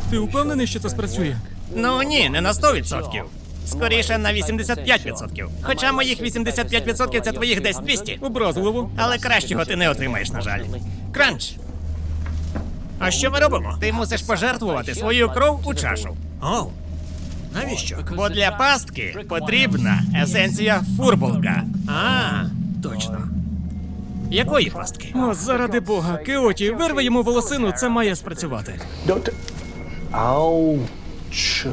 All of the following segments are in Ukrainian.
Ти впевнений, що це спрацює? Ну ні, не на 100%. Скоріше на 85%. Хоча моїх 85% це твоїх десь 200. Образливо. Але кращого ти не отримаєш, на жаль. Кранч! А що ми робимо? Ти мусиш пожертвувати свою кров у чашу. Оу. Навіщо? Бо для пастки потрібна есенція фурболка. А, точно. Якої пастки? О, заради Бога, Кеоті, вирви йому волосину, це має спрацювати. Don't. Ouch.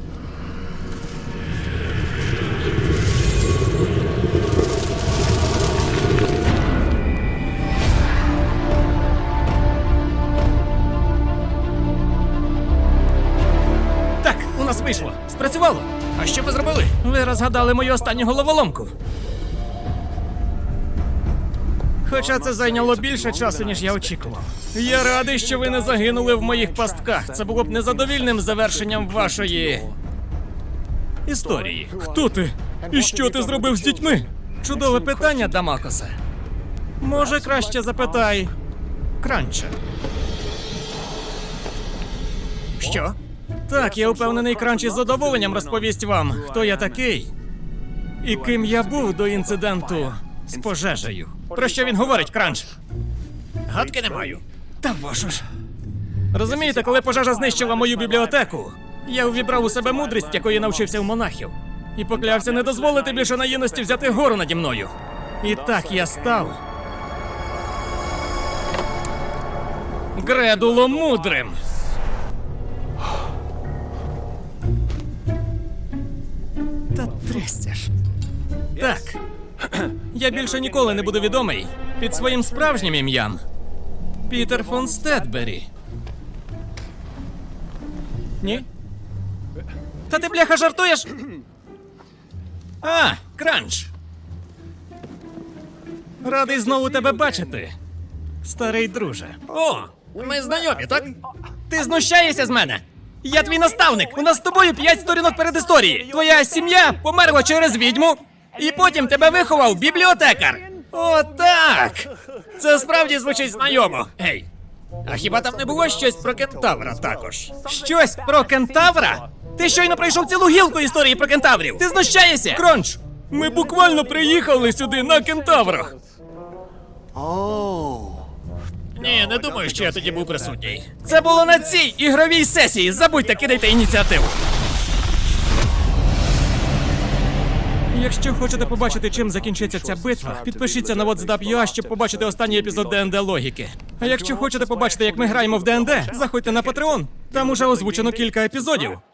Так, у нас вийшло. Спрацювало. А що ви зробили? Ви розгадали мою останню головоломку. Хоча це зайняло більше часу, ніж я очікував. Я радий, що ви не загинули в моїх пастках. Це було б незадовільним завершенням вашої історії. Хто ти? І що ти зробив з дітьми? Чудове питання, Дамакосе. Може, краще запитай Кранча. Що? Так, я впевнений, Кранч із задоволенням розповість вам, хто я такий і ким я був до інциденту з пожежею. Про що він говорить, Кранч? Гадки не маю. Та вашу ж. Розумієте, коли пожежа знищила мою бібліотеку, я увібрав у себе мудрість, якої навчився в монахів, і поклявся не дозволити більше наївності взяти гору наді мною. І так я став Гредулом мудрим. Та трясся ж. Так. Я більше ніколи не буду відомий під своїм справжнім ім'ям. Пітер фон Стедбері. Ні? Та ти, бляха, жартуєш? А, Кранч. Радий знову тебе бачити, старий друже. О, ми знайомі, так? Ти знущаєшся з мене? Я твій наставник. У нас з тобою 5 сторінок передісторії. Твоя сім'я померла через відьму, і потім тебе виховав бібліотекар. О, так! Це справді звучить знайомо. Гей, а хіба там не було щось про кентавра також? Щось про кентавра? Ти щойно пройшов цілу гілку історії про кентаврів. Ти знущаєшся? Кронч, ми буквально приїхали сюди на кентаврах. Oh. Ні, не думаю, що я тоді був присутній. Це було на цій ігровій сесії. Забудьте, кидайте ініціативу. Якщо хочете побачити, чим закінчиться ця битва, підпишіться на WhatsApp.ua, щоб побачити останній епізод ДНД Логіки. А якщо хочете побачити, як ми граємо в ДНД, заходьте на Patreon. Там уже озвучено кілька епізодів.